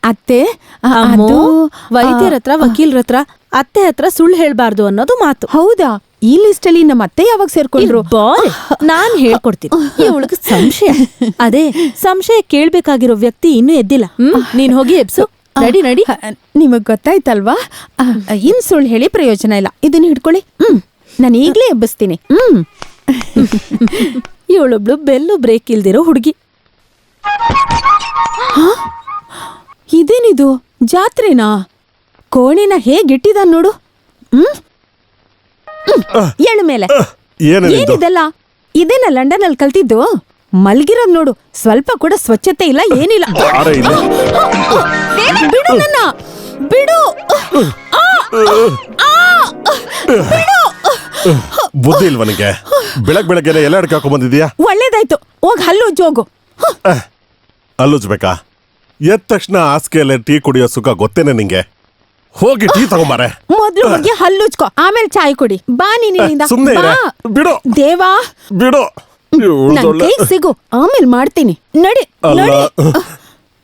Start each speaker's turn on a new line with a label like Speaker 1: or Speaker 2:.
Speaker 1: ಅತ್ತೆ
Speaker 2: ವೈದ್ಯರ ಹತ್ರ ವಕೀಲರ ಹತ್ರ ಅತ್ತೆ ಹತ್ರ ಸುಳ್ಳು ಹೇಳ್ಬಾರ್ದು ಅನ್ನೋದು ಮಾತು.
Speaker 1: ಹೌದಾ? ಈ ಲಿಸ್ಟ್ ಅಲ್ಲಿ ನಮ್ಮ ಅತ್ತೆ ಯಾವಾಗ ಸೇರ್ಕೊಂಡ್ರು?
Speaker 2: ನಾನ್ ಹೇಳ್ಕೊಡ್ತೀನಿ. ಇವಳಿಗೆ ಸಂಶಯ. ಅದೇ ಸಂಶಯ ಕೇಳ್ಬೇಕಾಗಿರೋ ವ್ಯಕ್ತಿ ಇನ್ನೂ ಎದ್ದಿಲ್ಲ. ನೀನ್ ಹೋಗಿ ಎಬ್ಸು. ನಡಿ ನಡಿ.
Speaker 1: ನಿಮಗ್ ಗೊತ್ತಾಯ್ತಲ್ವಾ? ಇನ್ ಸುಳ್ಳು ಹೇಳಿ ಪ್ರಯೋಜನ ಇಲ್ಲ. ಇದನ್ನ ಹಿಡ್ಕೊಳ್ಳಿ. ನಾನು ಈಗ್ಲೇ ಎಬ್ಬಿಸ್ತೀನಿ.
Speaker 2: ಇವಳೊಬ್ಳು ಬೆಲ್ಲು ಬ್ರೇಕ್ ಇಲ್ದಿರೋ ಹುಡುಗಿ.
Speaker 1: ಇದೇನಿದು? ಜಾತ್ರೆನಾ? ಕೋಣಿನ ಹೇಗಿಟ್ಟಿದ ನೋಡು. ಎಳು ಮೇಲೆ. ಏನಿದೆಲ್ಲ? ಇದೇನ ಲಂಡನ್ ಅಲ್ಲಿ ಕಲ್ತಿದ್ದು? ಮಲ್ಗಿರೋದ್ ನೋಡು. ಸ್ವಲ್ಪ ಕೂಡ ಸ್ವಚ್ಛತೆ ಇಲ್ಲ, ಏನಿಲ್ಲ. ಬಿಡು ನನ್ನ, ಬಿಡು.
Speaker 3: ಬುದ್ಧಿ ಇಲ್ವನಿಗೆ? ಬೆಳಗ್ಗೆ ಎಲ್ಲ ಅಡ್ಕ ಹಾಕೊಂಡ್ ಬಂದಿದ್ಯಾ?
Speaker 1: ಒಳ್ಳೇದಾಯ್ತು, ಹೋಗ್ ಹಲ್ಲುಜ್ಜು ಹೋಗು.
Speaker 3: ಹಲ್ಲುಜ್ಬೇಕಾ? ಎದ್ದ ತಕ್ಷಣ ಹಾಸಿಗೆಯಲ್ಲೇ ಟೀ ಕುಡಿಯೋ ಸುಖ ಗೊತ್ತೇನೆ ನಿಂಗೆ? ಹೋಗಿ ಟೀ ತಗೊಂಬಾರೆ.
Speaker 1: ಮೊದ್ಲು ಹೋಗಿ ಹಲ್ಲುಜ್ಕೊ, ಆಮೇಲೆ ಚಾಯ್ ಕುಡಿ. ಬಾ ನೀನಿಂದ.
Speaker 3: ಸುಮ್ನೆ ಬಿಡು.
Speaker 1: ದೇವಾ
Speaker 3: ಬಿಡು.
Speaker 1: ನನ್ ಕೈಗ್ ಸಿಗು, ಆಮೇಲೆ ಮಾಡ್ತೀನಿ. ನಡಿ.